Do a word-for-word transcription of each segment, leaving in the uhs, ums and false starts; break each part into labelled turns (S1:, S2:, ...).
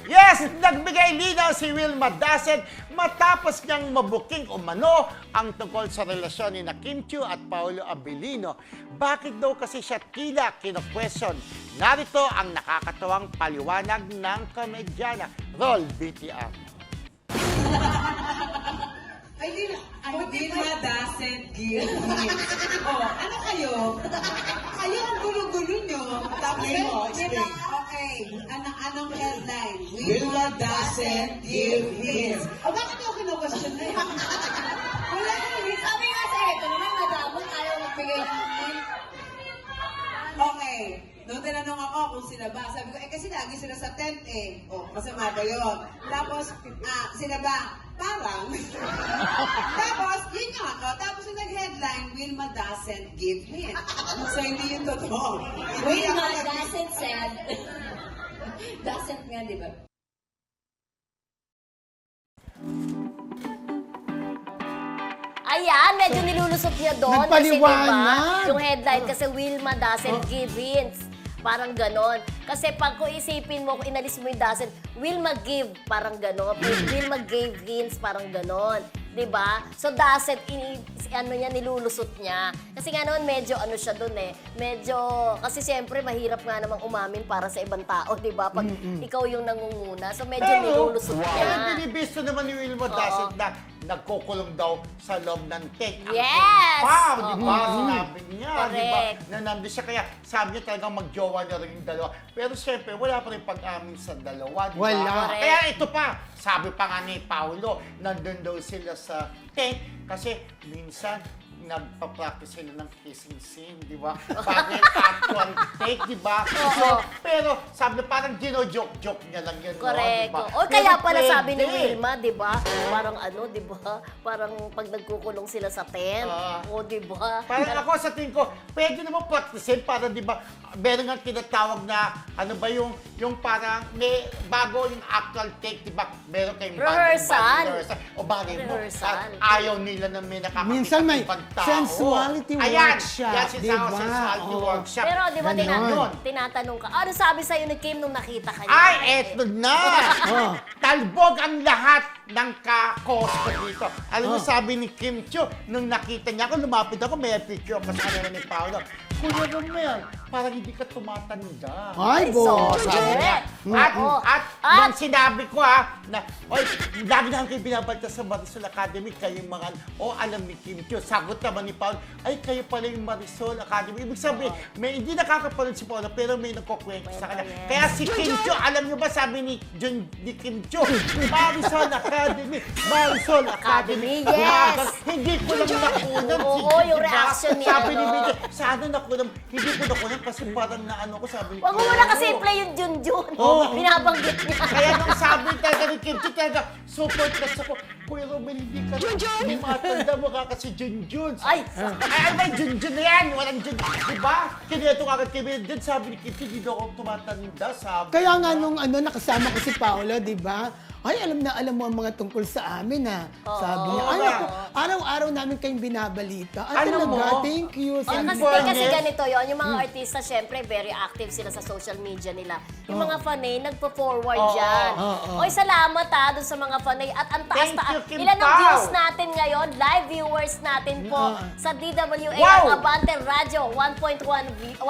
S1: Yes, nagbigay linaw si Wilma Dasset matapos niyang mabuking umano ang tungkol sa relasyon ni na Kim Chiu at Paolo Abilino. Bakit daw kasi siya tila kino-question? Narito ang nakakatawang paliwanag ng komedyana. Roll B T R.
S2: Ay, di na. Ay, Wilma doesn't give me. Oh, ano kayo? Kayo ang gulo-gulo nyo. Tapos,
S3: mo, explain.
S2: okay. Anong, anong headline?
S3: Wilma doesn't give hints.
S2: O, bakit ako kino-question na yan? Wala naman.
S4: Sabi nga sa ito naman, madamot, ayaw magbigay ng hint.
S2: Okay. Nung tinanong ako kung sila ba, sabi ko, eh kasi lagi sila sa tent eh. O, masama ba yun? Tapos, ah, sila ba? Parang. Tapos, yun nga ako. Tapos yung nag-headline, Wilma doesn't give hint. So, hindi yun totoo. Hindi
S4: Wilma
S2: ako nag-
S4: doesn't said. Doesn't nga, di ba? Ayan, medyo nilulusot niya doon. Kasi
S5: Nagpaliwanag.
S4: diba, yung headline kasi Wilma doesn't give hints. Parang ganon. Kasi pag kung isipin mo, kung inalis mo yung doesn't, Wilma give, parang ganon. Wilma gave hints, parang ganon. Diba? So doesn't, ini, ano niya, nilulusot niya. Kasi nga naman, medyo ano siya doon eh. Medyo, kasi siyempre, mahirap nga namang umamin para sa ibang tao, diba? Pag ikaw yung nangunguna. So medyo nilulusot niya.
S1: Pero binibisto naman ni Wilma Dasset na nagkukulong daw sa loob ng tent.
S4: Yes!
S1: Wow, di ba?
S4: Oo.
S1: Sinabi niya, di ba?
S4: Correct.
S1: Na nandun siya. Kaya sabi niya talagang magjowa na rin yung dalawa. Pero siyempre, wala pa rin pag-amin sa dalawa, di ba?
S5: Wala.
S4: Correct.
S1: Kaya ito pa, sabi pa nga ni Paolo, nandun daw sila sa tent kasi minsan nagpa-practice sila ng kissing scene, di ba? Parang actual take, di ba? So, pero sabi niya, parang gino-joke-joke niya lang yun, no?
S4: Correct.
S1: Di ba?
S4: O kaya
S1: Pero
S4: pala sabi ni
S1: pwede.
S4: Wilma, 'di ba? Parang ano, 'di ba? Parang pag nagkukulong sila sa tent.
S1: Ah.
S4: O 'di ba?
S1: Parang ako sa tingin ko, pwede naman practicein para di ba, meron nga tinatawag na, ano ba yung, yung parang may bago yung actual take, di ba? Meron kayong
S4: Rehearsal.
S1: bagong- rehearsal. O bagay mo,
S4: Rehearsal.
S1: at ayaw nila na may nakakakita
S5: Minsan may
S1: ibang tao.
S5: sensuality
S1: Ayan,
S5: workship,
S1: yan, sinasama
S5: di ba?
S1: sensuality
S5: Oo.
S1: workshop.
S4: Pero 'di ba
S5: Ganon.
S4: tinatanong, tinatanong ka, ano sabi sa'yo ni Kim nung nakita ka niya?
S1: Ay, eto na!
S5: Oh.
S1: Talbog ang lahat ng kakos ko dito. Alam mo,
S5: Oh.
S1: sabi ni Kim Chiu, nung nakita niya ako, lumapit ako, may picture ako sa kanila ni Paolo. Kuya Romel, parang hindi ka tumatanda.
S5: Ay, bo.
S4: sorry.
S1: Sabi niya.
S4: Mm.
S1: At,
S4: Oo.
S1: at,
S4: At-
S1: nung sinabi ko ha, na, oy, lagi na kayo binabalta sa Marisol Academy, kayong mga, o alam ni Kim Chiu. Sagot naman ni Paolo, ay, kayo pala yung Marisol Academy. Ibig sabihin, may, hindi nakakapanood si Paolo, pero may nagkukwento sa kanya.
S4: Kwento, yes.
S1: Kaya si Kim Chiu, alam niyo ba, sabi ni, Jun, ni Kim Chiu, Marisol Academy, Marisol Academy.
S4: Academy, yes.
S1: Umagas. Hindi ko lang nakunan.
S4: Oo,
S1: si-
S4: yung
S1: diba?
S4: reaction niya,
S1: Sabi ni
S4: no?
S1: Miguel, sana nakunan, hindi ko nakunan kasi parang naano ko, sabi ni
S4: Wag mo
S1: Kim
S4: muna
S1: Chiu.
S4: kasi i-play yung Junjun.
S1: Oo.
S4: Binabanggit niya.
S1: Kaya nung sabi talaga ni Kim Chiu, talaga, super touch ako. Kuya Romel, hindi ka hindi matanda mo ka kasi Junjun.
S4: Ay,
S1: Ay, ay, may Junjun na yan. Walang Junjun. Diba? Kaya ito kagad kay Miguel. Then sabi ni Kim Chiu, hindi daw ako tumatanda. Sabi
S5: Kaya nga
S1: niya.
S5: nung ano, nakasama ko si Paolo, di ba? Ay, alam na alam mo ang mga tungkol sa amin, ha? Sabi niya, ay,
S1: Oo.
S5: ako, araw-araw namin kayong binabalita. Ay,
S1: Alam
S5: talaga,
S1: mo,
S5: thank you.
S4: Oh,
S5: Sabi
S4: kasi,
S5: ko,
S4: kasi ganito yon yung
S1: Hmm.
S4: mga artista, syempre, very active sila sa social media nila. Yung
S5: Oh.
S4: mga fanay, nagpo-forward
S1: Oo.
S4: dyan.
S5: Oo, oo.
S4: Oy, salamat ha, dun sa mga fanay. At ang taas
S1: Thank
S4: taas.
S1: you, Kim
S4: Ilan ang
S1: Pao.
S4: views natin ngayon? Live viewers natin po
S5: Oo.
S4: sa D W A
S1: Wow.
S4: ang Abante Radio, one point one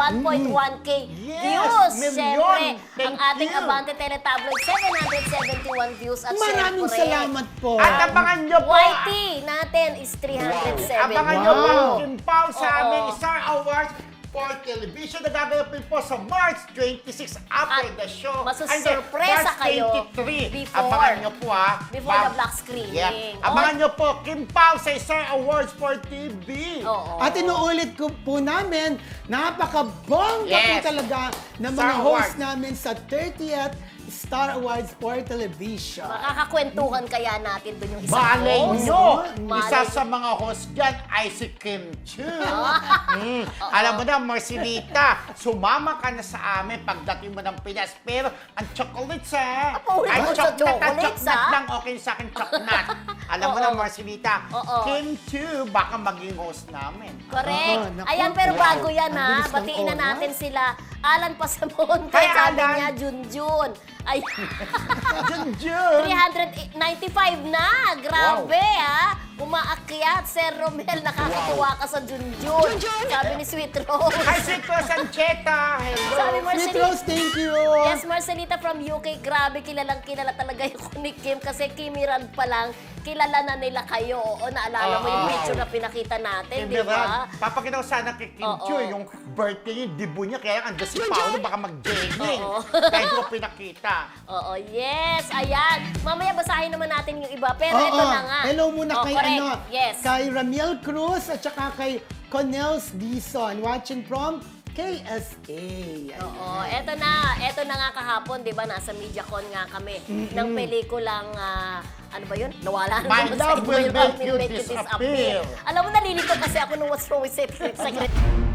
S4: K
S1: Yes,
S4: views.
S1: million.
S4: Syempre, ang
S1: Thank
S4: ating
S1: you.
S4: Abante Teletabloid, seven hundred seventy-one views. At
S5: maraming
S4: syempre,
S5: salamat po.
S1: At abangan nyo po.
S4: Y T natin is three hundred seven.
S1: Abangan nyo po
S5: Wow.
S1: ang Kim Pao sa
S4: Oo.
S1: aming Star Awards for Television na gaganapin po sa March twenty-six after
S4: At
S1: the show.
S4: masusurpresa
S1: March
S4: kayo
S1: twenty-three.
S4: before.
S1: Abangan nyo po ha.
S4: Before
S1: Bab-
S4: the black screening.
S1: Yeah. Abangan nyo po Kim Pao sa Star Awards for T V.
S4: Oo.
S5: At inuulit ko po namin, napakabongga
S1: Yes.
S5: po talaga ng
S1: Star
S5: mga host
S1: Awards.
S5: namin sa thirtieth Star Awards for Television.
S4: Makakakwentuhan kaya natin dun yung isang
S1: Malay
S4: host.
S1: nyo,
S4: Malay
S1: isa
S4: nyo.
S1: sa mga host dyan ay si Kim Chiu. Mm. Alam mo na, Marcelita, sumama ka na sa amin pagdating mo ng Pinas. Pero ang chocolates ha.
S4: Paulit mo sa chocolates,
S1: chocolate
S4: ha?
S1: lang okay sa akin, chocolate. Alam mo
S4: Oo.
S1: na, Marcelita,
S4: Oo.
S1: Kim Chiu, baka maging host namin.
S4: Correct.
S5: Oo, naku.
S4: Ayan, pero
S5: Wow.
S4: bago yan
S5: Ang
S4: ha,
S5: bilis ng
S4: batiin na
S5: oras.
S4: natin sila Alan Pasamonte,
S1: Hi,
S4: sabi
S1: Alan.
S4: niya, Junjun. Ay,
S1: Junjun!
S4: three hundred ninety-five na! Grabe, ha? Umaakyat, Sir Romel, nakakatuwa ka sa Junjun. Sabi ni Sweet Rose.
S1: Hi, Sweet Rose Ancheta! Hello!
S4: Sabi
S5: Sweet
S4: Marcelita,
S5: Rose, thank you.
S4: yes, Marcelita from U K, grabe, kilalang kilala talaga yung ni Kim kasi Kimiran pa lang, kilala na nila kayo. Oo, naalala mo yung
S1: Oo.
S4: picture na pinakita natin, di
S1: Kimiran.
S4: ba?
S1: Papakita ko sana kay Kim
S4: Oo.
S1: Chiu yung birthday, yung debut niya. Kaya ando si Paolo, baka mag-jegging.
S4: Oo.
S1: Kaya hindi ko pinakita.
S4: Oo, yes, ayan. Mamaya basahin naman natin yung iba, pero
S5: Oo.
S4: ito na nga.
S5: Hello muna
S4: Oh,
S5: kay
S4: correct.
S5: ano,
S4: Yes.
S5: kay Ramiel Cruz at saka kay Cornels Dison watching from K S A. Ayan.
S4: Oo, eto na. Eto na nga kahapon, di ba? Nasa MediaCon nga kami ng pelikulang, ah, ano ba yun? Nawala na
S1: My
S4: naman sa
S1: Love
S4: inyo
S1: Will
S4: yung
S1: Make
S4: Will
S1: You
S4: Make You
S1: Disappear.
S4: Disappear. Alam mo, nalilito kasi ako nung What's Wrong with Secret Secret.